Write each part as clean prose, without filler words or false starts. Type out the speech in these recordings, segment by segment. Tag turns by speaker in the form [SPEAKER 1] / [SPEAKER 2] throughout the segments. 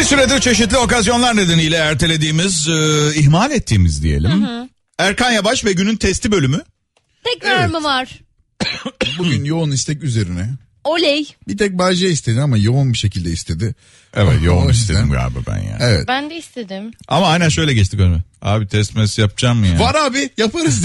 [SPEAKER 1] süredir çeşitli okazyonlar nedeniyle ertelediğimiz, ihmal ettiğimiz diyelim. Erkan Yabaş ve günün testi bölümü.
[SPEAKER 2] Tekrar mı var?
[SPEAKER 3] Bugün yoğun istek üzerine.
[SPEAKER 2] Oley.
[SPEAKER 3] Bir tek Bayce istedi ama yoğun bir şekilde istedi.
[SPEAKER 1] Evet, yoğun
[SPEAKER 3] O yüzden-
[SPEAKER 1] istedim galiba ben ya.
[SPEAKER 3] Evet.
[SPEAKER 2] Ben de istedim.
[SPEAKER 1] Ama aynen şöyle geçtik önüme. Abi test mes yapacağım mı ya?
[SPEAKER 3] Var abi, yaparız.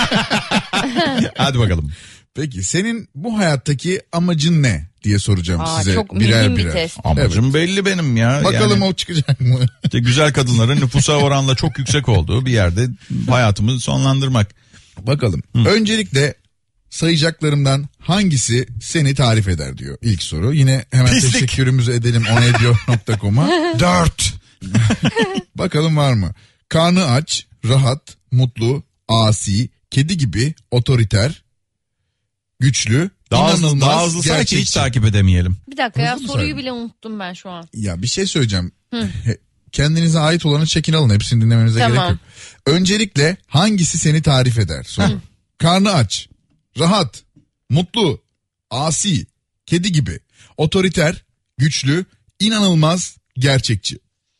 [SPEAKER 1] Hadi bakalım.
[SPEAKER 3] Peki senin bu hayattaki amacın ne diye soracağım size
[SPEAKER 2] çok
[SPEAKER 3] birer
[SPEAKER 2] mühim bir
[SPEAKER 3] birer.
[SPEAKER 2] test.
[SPEAKER 1] Amacım belli benim ya.
[SPEAKER 3] Bakalım
[SPEAKER 1] Yani
[SPEAKER 3] o çıkacak mı?
[SPEAKER 1] işte güzel kadınların nüfusa oranla çok yüksek olduğu bir yerde hayatımı sonlandırmak.
[SPEAKER 3] Bakalım. Öncelikle sayacaklarımdan hangisi seni tarif eder diyor ilk soru. Yine hemen
[SPEAKER 1] Pislik.
[SPEAKER 3] teşekkürümüzü edelim onediyor.com'a.
[SPEAKER 1] 4.
[SPEAKER 3] Bakalım var mı? Karnı aç, rahat, mutlu, asi, kedi gibi, otoriter, güçlü,
[SPEAKER 1] Daha
[SPEAKER 3] inanılmaz,
[SPEAKER 1] hızlı sanki hiç
[SPEAKER 3] gerçekçi.
[SPEAKER 1] takip edemeyelim.
[SPEAKER 2] Bir dakika ya,
[SPEAKER 3] Hızlı mı
[SPEAKER 2] soruyu
[SPEAKER 3] saydın?
[SPEAKER 2] bile unuttum ben şu an.
[SPEAKER 3] Ya bir şey söyleyeceğim. Kendinize ait olanı çekin alın. Hepsini dinlemenize
[SPEAKER 2] Tamam.
[SPEAKER 3] gerek yok. Öncelikle hangisi seni tarif eder? Soru. Karnı aç, rahat, mutlu, asi, kedi gibi, otoriter, güçlü, inanılmaz, gerçekçi.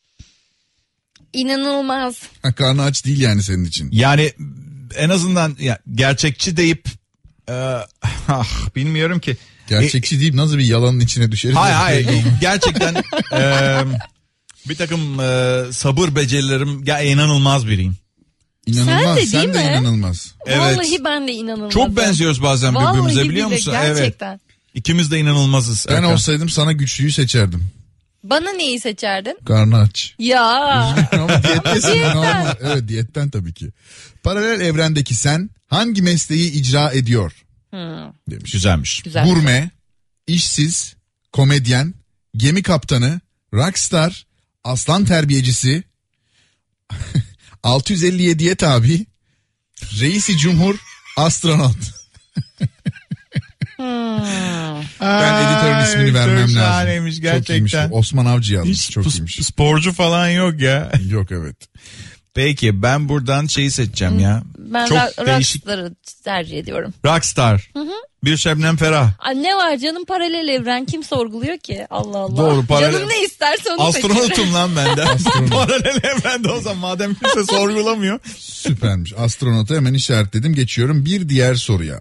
[SPEAKER 2] İnanılmaz.
[SPEAKER 3] Karnı aç değil yani senin için.
[SPEAKER 1] Yani en azından ya, gerçekçi deyip bilmiyorum ki.
[SPEAKER 3] Gerçekçi deyip nasıl bir yalanın içine düşeriz?
[SPEAKER 1] Hayır gerçekten bir takım sabır becerilerim ya inanılmaz biriyim.
[SPEAKER 3] İnanılmaz.
[SPEAKER 2] Sen de değil mi?
[SPEAKER 3] inanılmaz.
[SPEAKER 1] Evet.
[SPEAKER 2] Vallahi ben de inanılmazım.
[SPEAKER 1] Çok benziyoruz bazen birbirimize,
[SPEAKER 2] Vallahi
[SPEAKER 1] biliyor
[SPEAKER 2] bile,
[SPEAKER 1] musun?
[SPEAKER 2] gerçekten.
[SPEAKER 1] Evet. İkimiz de inanılmazız.
[SPEAKER 3] Ben
[SPEAKER 1] Erkan.
[SPEAKER 3] olsaydım sana güçlüyü seçerdim.
[SPEAKER 2] Bana neyi seçerdin?
[SPEAKER 3] Karnı aç.
[SPEAKER 2] Ya.
[SPEAKER 3] Ama diyettesin. Normal. Evet, diyetten tabii ki. Paralel evrendeki sen hangi mesleği icra ediyor? Demiş.
[SPEAKER 1] Güzelmiş.
[SPEAKER 2] Güzel.
[SPEAKER 3] Gurme, işsiz, komedyen, gemi kaptanı, rockstar, aslan terbiyecisi, 657'ye tabi, reisi cumhur, astronot. Ben editörün ismini vermem
[SPEAKER 1] çok
[SPEAKER 3] lazım.
[SPEAKER 1] şahaneymiş
[SPEAKER 3] Çok iyiymiş
[SPEAKER 1] gerçekten.
[SPEAKER 3] bu. Osman Avcı yazmış.
[SPEAKER 1] Hiç
[SPEAKER 3] Çok iyiymiş.
[SPEAKER 1] sporcu falan yok ya.
[SPEAKER 3] Yok evet.
[SPEAKER 1] Peki ben buradan şeyi seçeceğim ya.
[SPEAKER 2] Ben
[SPEAKER 1] Çok değişik.
[SPEAKER 2] Rockstar'ı tercih ediyorum.
[SPEAKER 1] Rockstar. Bir Şebnem Ferah.
[SPEAKER 2] Aa, ne var canım, paralel evren, kim sorguluyor ki? Allah Allah.
[SPEAKER 1] Doğru, paralel-
[SPEAKER 2] Canım ne isterse onu seçerim.
[SPEAKER 1] Astronotum lan ben de. Paralel evrende o zaman madem kimse sorgulamıyor.
[SPEAKER 3] Süpermiş. Astronotu hemen işaretledim. Geçiyorum bir diğer soruya.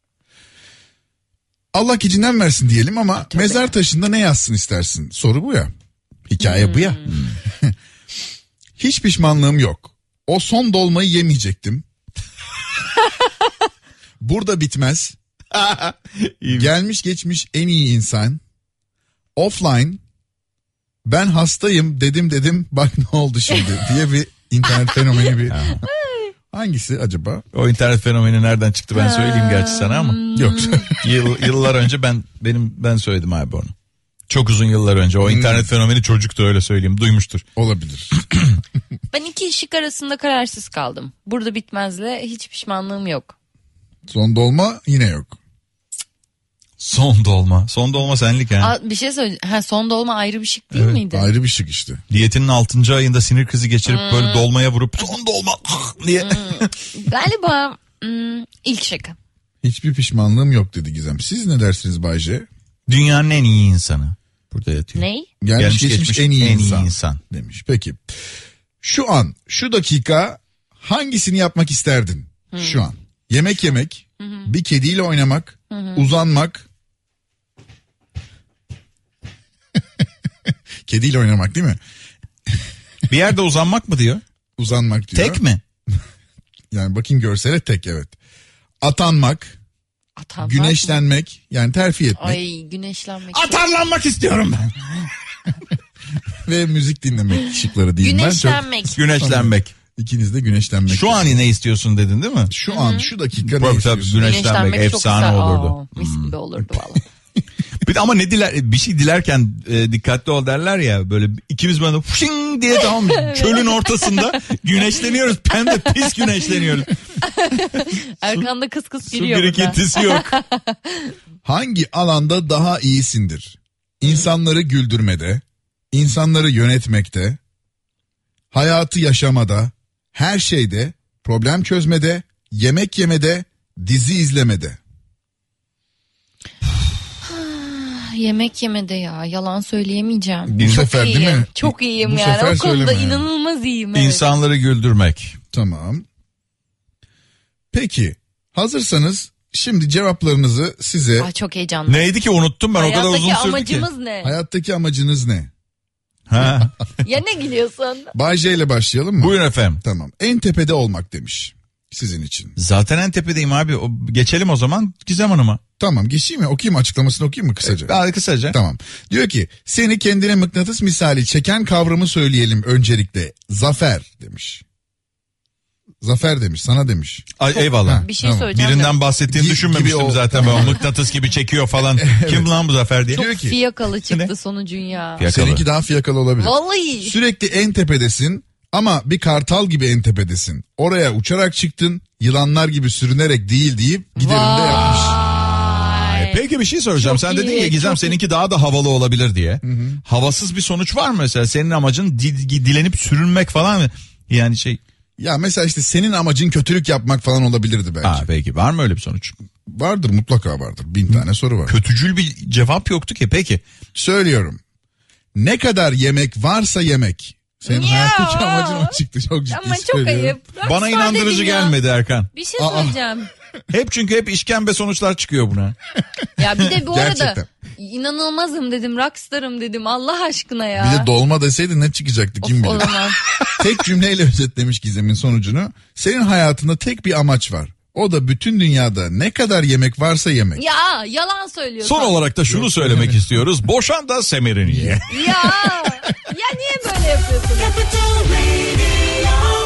[SPEAKER 3] Allah gecinden versin diyelim ama mezar taşında ne yazsın istersin? Soru bu ya. Hikaye bu ya. Hiç pişmanlığım yok. O son dolmayı yemeyecektim. Burada bitmez. Gelmiş geçmiş en iyi insan. Offline. Ben hastayım dedim bak ne oldu şimdi diye bir internet fenomeni bir. Hangisi acaba?
[SPEAKER 1] O internet fenomeni nereden çıktı ben söyleyeyim gerçi sana ama.
[SPEAKER 3] Yok.
[SPEAKER 1] Yıllar önce ben söyledim abi onu. Çok uzun yıllar önce o internet fenomeni çocuktu, öyle söyleyeyim, duymuştur.
[SPEAKER 3] Olabilir.
[SPEAKER 2] Ben iki şık arasında kararsız kaldım. Burada bitmezle hiç pişmanlığım yok.
[SPEAKER 3] Son dolma yine yok.
[SPEAKER 1] Son dolma senlik ha.
[SPEAKER 2] Aa, bir şey söyleyeceğim. Ha, son dolma ayrı bir şık değil miydi?
[SPEAKER 3] Ayrı bir şık işte.
[SPEAKER 1] Diyetinin 6. ayında sinir krizi geçirip böyle dolmaya vurup son dolma diye.
[SPEAKER 2] Galiba ilk şık.
[SPEAKER 3] Hiçbir pişmanlığım yok dedi Gizem. Siz ne dersiniz Bayce?
[SPEAKER 1] Dünyanın en iyi insanı. Burada yatıyor.
[SPEAKER 2] Ney?
[SPEAKER 3] Gelmiş geçmiş en iyi insan.
[SPEAKER 1] insan.
[SPEAKER 3] Demiş. Peki. Şu an, şu dakika hangisini yapmak isterdin? Şu an. Yemek yemek, bir kediyle oynamak, uzanmak. Kediyle oynamak değil mi?
[SPEAKER 1] Bir yerde uzanmak mı diyor?
[SPEAKER 3] Uzanmak diyor.
[SPEAKER 1] Tek mi?
[SPEAKER 3] Yani bakayım görsele tek, evet. Atanmak,
[SPEAKER 2] Atanmak
[SPEAKER 3] güneşlenmek, yani terfi etmek
[SPEAKER 2] Ay, güneşlenmek.
[SPEAKER 1] Atarlanmak istiyorum ben.
[SPEAKER 3] ve müzik dinlemek şıkları diyeyim ben.
[SPEAKER 2] Güneşlenmek.
[SPEAKER 1] Güneşlenmek.
[SPEAKER 3] İkiniz de güneşlenmek.
[SPEAKER 1] Şu an ne istiyorsun dedin değil mi?
[SPEAKER 3] Şu an, şu dakika ne
[SPEAKER 1] Tabii,
[SPEAKER 3] istiyorsun?
[SPEAKER 1] güneşlenmek
[SPEAKER 2] Güneşlenmek çok
[SPEAKER 1] efsane
[SPEAKER 2] güzel.
[SPEAKER 1] olurdu.
[SPEAKER 2] Aa, mis gibi olurdu valla.
[SPEAKER 1] Bir de ama bir şey dilerken dikkatli ol derler ya, böyle ikimiz böyle fışing diye, tamam mı? Çölün ortasında güneşleniyoruz. Hem de pis güneşleniyoruz.
[SPEAKER 2] Erkan'da kıs kıs
[SPEAKER 1] Su
[SPEAKER 2] geliyor burada.
[SPEAKER 1] birikintisi yok.
[SPEAKER 3] Hangi alanda daha iyisindir? İnsanları güldürmede, insanları yönetmekte, hayatı yaşamada, her şeyde, problem çözmede, yemek yemede, dizi izlemede.
[SPEAKER 2] yemek yemede ya. Yalan söyleyemeyeceğim.
[SPEAKER 3] Bu
[SPEAKER 2] Çok
[SPEAKER 3] sefer
[SPEAKER 2] iyiyim.
[SPEAKER 3] değil mi?
[SPEAKER 2] Çok iyiyim
[SPEAKER 3] Bu
[SPEAKER 2] yani.
[SPEAKER 3] sefer
[SPEAKER 2] O konuda
[SPEAKER 3] söyleme yani.
[SPEAKER 2] inanılmaz iyiyim. Evet.
[SPEAKER 1] İnsanları güldürmek.
[SPEAKER 3] Tamam. Peki hazırsanız şimdi cevaplarınızı size
[SPEAKER 2] Ay, çok heyecanlı.
[SPEAKER 1] Neydi ki unuttum ben o kadar uzun sürdü
[SPEAKER 2] Hayattaki
[SPEAKER 3] ki.
[SPEAKER 2] amacımız ne?
[SPEAKER 3] hayattaki amacınız ne?
[SPEAKER 1] Ha.
[SPEAKER 2] Ya ne gülüyorsun?
[SPEAKER 3] Bay J ile başlayalım mı?
[SPEAKER 1] Buyurun efendim.
[SPEAKER 3] Tamam. En tepede olmak demiş sizin için.
[SPEAKER 1] Zaten en tepedeyim abi. Geçelim o zaman Gizem Hanım'a.
[SPEAKER 3] Tamam geçeyim mi? Okuyayım mı? Açıklamasını okuyayım mı kısaca?
[SPEAKER 1] Daha kısaca.
[SPEAKER 3] Tamam. Diyor ki seni kendine mıknatıs misali çeken kavramı söyleyelim öncelikle. Zafer demiş. Zafer demiş, sana demiş.
[SPEAKER 1] Ay, eyvallah.
[SPEAKER 3] Ha,
[SPEAKER 2] Bir şey
[SPEAKER 3] tamam.
[SPEAKER 2] söyleyeceğim.
[SPEAKER 1] Birinden bahsettiğini
[SPEAKER 3] Gibi
[SPEAKER 1] düşünmemiştim
[SPEAKER 3] o-
[SPEAKER 1] zaten. Ben mıknatıs gibi çekiyor falan. Kim lan bu Zafer diye.
[SPEAKER 2] Çok
[SPEAKER 3] Diyor ki-
[SPEAKER 2] fiyakalı çıktı
[SPEAKER 1] Ne?
[SPEAKER 2] sonucun ya.
[SPEAKER 1] Fiyakalı.
[SPEAKER 3] Seninki daha fiyakalı olabilir.
[SPEAKER 2] Vallahi.
[SPEAKER 3] Sürekli en tepedesin ama bir kartal gibi en tepedesin. Oraya uçarak çıktın, yılanlar gibi sürünerek değil deyip giderim de yapmış.
[SPEAKER 2] Vay.
[SPEAKER 1] Peki bir şey soracağım.
[SPEAKER 2] Çok
[SPEAKER 1] Sen dedin
[SPEAKER 2] iyi,
[SPEAKER 1] ya Gizem
[SPEAKER 2] çok
[SPEAKER 1] seninki daha da havalı olabilir diye. Havasız bir sonuç var mı mesela? Senin amacın dilenip sürünmek falan mı? Yani şey.
[SPEAKER 3] Ya mesela işte senin amacın kötülük yapmak falan olabilirdi belki.
[SPEAKER 1] Ha peki var mı öyle bir sonuç?
[SPEAKER 3] Vardır, mutlaka vardır. 1000 tane soru var.
[SPEAKER 1] Kötücül bir cevap yoktu ki peki.
[SPEAKER 3] Söylüyorum. Ne kadar yemek varsa yemek. Senin
[SPEAKER 2] Ya.
[SPEAKER 3] hayattaki amacın o çıktı, çok ciddi
[SPEAKER 2] Ama çok
[SPEAKER 3] söylüyorum.
[SPEAKER 2] ayıp.
[SPEAKER 1] Bana
[SPEAKER 2] Rockstar
[SPEAKER 1] inandırıcı
[SPEAKER 2] dedim ya.
[SPEAKER 1] gelmedi Erkan.
[SPEAKER 2] Bir şey söyleyeceğim.
[SPEAKER 1] Çünkü hep işkembe sonuçlar çıkıyor buna.
[SPEAKER 2] Ya bir de bu arada
[SPEAKER 3] Gerçekten.
[SPEAKER 2] inanılmazım dedim, rockstarım dedim Allah aşkına ya.
[SPEAKER 3] Bir de dolma deseydi ne çıkacaktı kim
[SPEAKER 2] Of, o
[SPEAKER 3] bilir.
[SPEAKER 2] zaman.
[SPEAKER 3] Tek cümleyle özetlemiş Gizem'in sonucunu. Senin hayatında tek bir amaç var. O da bütün dünyada ne kadar yemek varsa yemek.
[SPEAKER 2] Ya yalan söylüyorsun.
[SPEAKER 1] Son olarak da şunu söylemek istiyoruz. Boşan da semerini ye.
[SPEAKER 2] Ya niye böyle yapıyorsun?
[SPEAKER 4] Capital Radio.